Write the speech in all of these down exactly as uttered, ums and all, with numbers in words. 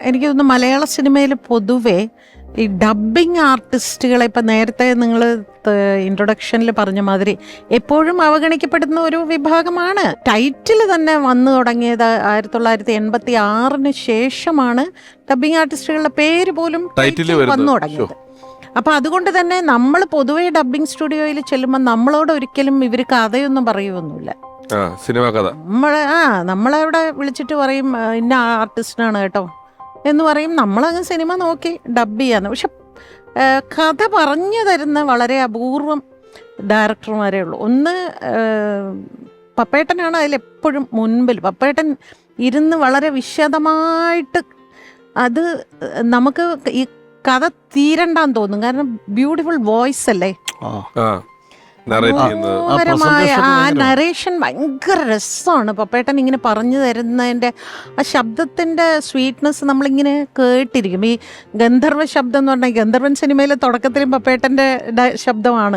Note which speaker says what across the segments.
Speaker 1: എനിക്ക് തോന്നുന്നു മലയാള സിനിമയിൽ പൊതുവെ ഈ ഡബ്ബിങ് ആർട്ടിസ്റ്റുകളെ ഇപ്പം നേരത്തെ നിങ്ങൾ ഇൻട്രൊഡക്ഷനിൽ പറഞ്ഞ മാതിരി എപ്പോഴും അവഗണിക്കപ്പെടുന്ന ഒരു വിഭാഗമാണ്. ടൈറ്റിൽ തന്നെ വന്നു തുടങ്ങിയത് ആയിരത്തി തൊള്ളായിരത്തി എൺപത്തി ആറിന് ശേഷമാണ് ഡബ്ബിങ് ആർട്ടിസ്റ്റുകളുടെ പേര് പോലും ടൈറ്റിൽ വന്നു തുടങ്ങിയത്. അപ്പം അതുകൊണ്ട് തന്നെ നമ്മൾ പൊതുവെ ഡബ്ബിങ് സ്റ്റുഡിയോയിൽ ചെല്ലുമ്പോൾ നമ്മളോട് ഒരിക്കലും ഇവർ കഥയൊന്നും പറയുമൊന്നുമില്ല.
Speaker 2: സിനിമ കഥ
Speaker 1: നമ്മളെ ആ നമ്മളവിടെ വിളിച്ചിട്ട് പറയും ഇന്ന ആർട്ടിസ്റ്റിനാണ് കേട്ടോ എന്ന് പറയും. നമ്മളങ്ങ് സിനിമ നോക്കി ഡബ് ചെയ്യാന്ന്. പക്ഷെ കഥ പറഞ്ഞു തരുന്ന വളരെ അപൂർവം ഡയറക്ടർമാരേ ഉള്ളൂ. ഒന്ന് പപ്പേട്ടനാണ് അതിലെപ്പോഴും മുൻപിൽ. പപ്പേട്ടൻ ഇരുന്ന് വളരെ വിശദമായിട്ട് അത് നമുക്ക് ഈ കഥ തീരണ്ടാന്ന് തോന്നും. കാരണം ബ്യൂട്ടിഫുൾ വോയിസ് അല്ലേ, മനോഹരമായ ആ നറേഷൻ ഭയങ്കര രസമാണ്. പപ്പേട്ടൻ ഇങ്ങനെ പറഞ്ഞു തരുന്നതിൻ്റെ ആ ശബ്ദത്തിൻ്റെ സ്വീറ്റ്നെസ് നമ്മളിങ്ങനെ കേട്ടിരിക്കും. ഈ ഗന്ധർവ ശബ്ദം എന്ന് പറഞ്ഞാൽ ഗന്ധർവൻ സിനിമയിലെ തുടക്കത്തിലും പപ്പേട്ടൻ്റെ ശബ്ദമാണ്.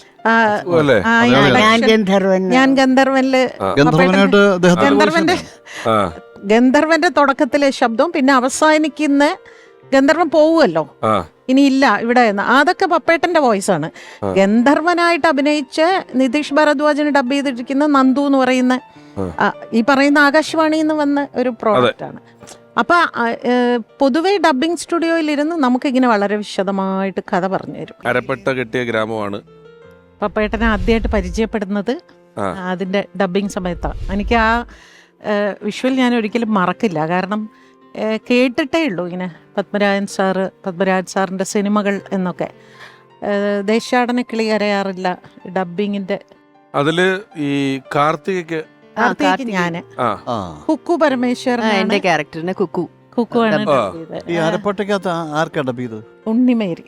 Speaker 1: ഞാൻ ഗന്ധർവനില് ഗന്ധർവന്റെ ഗന്ധർവന്റെ തുടക്കത്തിലെ ശബ്ദവും പിന്നെ അവസാനിക്കുന്ന ഗന്ധർവൻ പോവുമല്ലോ, ഇനി ഇല്ല ഇവിടെ എന്ന്, അതൊക്കെ പപ്പേട്ടന്റെ വോയിസ് ആണ്. ഗന്ധർവനായിട്ട് അഭിനയിച്ച് നിതീഷ് ഭരദ്വാജിന് ഡബ് ചെയ്തിരിക്കുന്ന നന്ദു എന്ന് പറയുന്ന ഈ പറയുന്ന ആകാശവാണിയിൽ നിന്ന് വന്ന ഒരു പ്രോഡക്റ്റ് ആണ്. അപ്പൊ പൊതുവെ ഡബ്ബിംഗ് സ്റ്റുഡിയോയിൽ ഇരുന്ന് നമുക്കിങ്ങനെ വളരെ വിശദമായിട്ട് കഥ പറഞ്ഞു തരും.
Speaker 2: അരപ്പെട്ട കെട്ടിയ ഗ്രാമമാണ്
Speaker 1: പപ്പേട്ടനെ ആദ്യമായിട്ട് പരിചയപ്പെടുന്നത് അതിന്റെ ഡബ്ബിംഗ് സമയത്താണ്. എനിക്ക് ആ വിഷ്വൽ ഞാൻ ഒരിക്കലും മറക്കില്ല. കാരണം കേട്ടിട്ടേ ഉള്ളൂ ഇങ്ങനെ പത്മരാജൻ സാറ് പത്മരാജൻ സാറിൻ്റെ സിനിമകൾ എന്നൊക്കെ. ദേശാടന കിളി കരയാറില്ല ഡബ്ബിങ്ങിന്റെ
Speaker 2: അതില് ഈ കാർത്തികയ്ക്ക്
Speaker 1: കാർത്തികയ്ക്ക് ഞാന് കുക്കു പരമേശ്വരൻ ക്യാരക്ടറിനെ കുക്കു കുക്കു ആണ് ഉണ്ണിമേരി.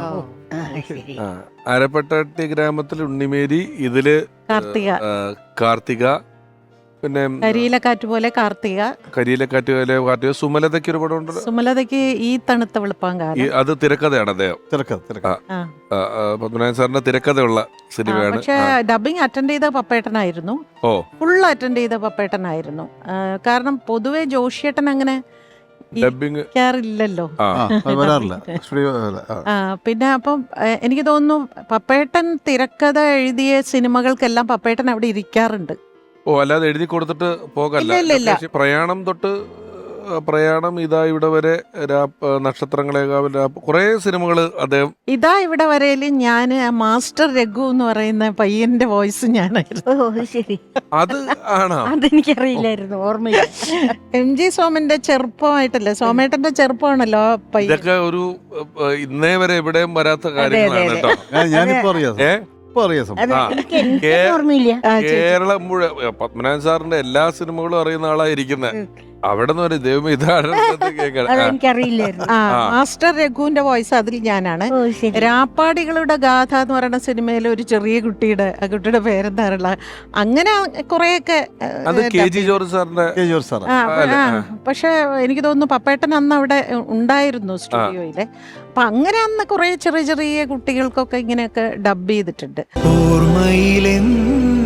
Speaker 2: അരപ്പെട്ട ഗ്രാമത്തിൽ ഉണ്ണിമേരി, ഇതില് കാർത്തിക കാർത്തിക പിന്നെ
Speaker 1: കരിയിലക്കാറ്റ് പോലെ കാർത്തിക
Speaker 2: കരിയിലക്കാറ്റ് പോലെ കാർത്തിക. സുമലതയ്ക്ക് ഒരു പടം ഉണ്ട്,
Speaker 1: സുമലതയ്ക്ക് ഈ തണുത്ത വെളുപ്പാങ്കാലം.
Speaker 2: അത് തിരക്കഥയാണ് അദ്ദേഹം, പത്മനാഭൻ സാറിന്റെ തിരക്കഥയുള്ള സിനിമയാണ്.
Speaker 1: പക്ഷെ ഡബിങ് അറ്റൻഡ് ചെയ്ത പപ്പേട്ടനായിരുന്നു.
Speaker 2: ഓ
Speaker 1: ഫുൾ അറ്റൻഡ് ചെയ്ത പപ്പേട്ടനായിരുന്നു. കാരണം പൊതുവെ ജോഷിയേട്ടൻ അങ്ങനെ
Speaker 2: ഡബിങ്
Speaker 1: ഇല്ലല്ലോ. പിന്നെ അപ്പം എനിക്ക് തോന്നുന്നു പപ്പേട്ടൻ തിരക്കഥ എഴുതിയ സിനിമകൾക്കെല്ലാം പപ്പേട്ടൻ അവിടെ ഇരിക്കാറുണ്ട്.
Speaker 2: ഓ അല്ലാതെ എഴുതി കൊടുത്തിട്ട് പോകല്ല. പ്രയാണം തൊട്ട് പ്രയാണം, ഇതാ ഇവിടെ വരെ, നക്ഷത്രങ്ങളേകാവിൽ, കുറെ സിനിമകള് അദ്ദേഹം.
Speaker 1: ഇതാ ഇവിടെ വരെയില് ഞാൻ മാസ്റ്റർ രഘു എന്ന് പറയുന്ന പയ്യന്റെ വോയിസ് ഞാനായിരുന്നു.
Speaker 3: ശരി,
Speaker 2: അത് ആണോ?
Speaker 3: അതെനിക്കറിയില്ലായിരുന്നു, ഓർമ്മയില്ല.
Speaker 1: എം ജി സോമന്റെ ചെറുപ്പമായിട്ടല്ലേ, സോമേട്ടന്റെ ചെറുപ്പമാണല്ലോ
Speaker 2: ഇതൊക്കെ ഒരു ഇന്നേ വരെ എവിടെയും വരാത്ത കാര്യങ്ങളാണ് കേട്ടോ.
Speaker 4: ഞാനിപ്പോ അറിയാം
Speaker 2: ഏ
Speaker 3: കേരളം
Speaker 2: മുഴുവൻ പത്മനാഭൻ സാറിന്റെ എല്ലാ സിനിമകളും അറിയുന്ന ആളായിരിക്കുന്നത്. അവിടെ നിന്ന് ഒരു ദൈവം ഇതാണ്
Speaker 1: മാസ്റ്റർ രഘുവിന്റെ വോയിസ് അതിൽ ഞാനാണ്. രാപ്പാടികളുടെ ഗാഥ എന്ന് പറയുന്ന സിനിമയിലെ ഒരു ചെറിയ കുട്ടിയുടെ, ആ കുട്ടിയുടെ പേരെന്താറുള്ള, അങ്ങനെ കുറെയൊക്കെ. പക്ഷെ എനിക്ക് തോന്നുന്നു പപ്പേട്ടൻ അന്ന് അവിടെ ഉണ്ടായിരുന്നു സ്റ്റുഡിയോയില്. അപ്പൊ അങ്ങനെ അന്ന് കുറെ ചെറിയ ചെറിയ കുട്ടികൾക്കൊക്കെ ഇങ്ങനെയൊക്കെ ഡബ് ചെയ്തിട്ടുണ്ട്.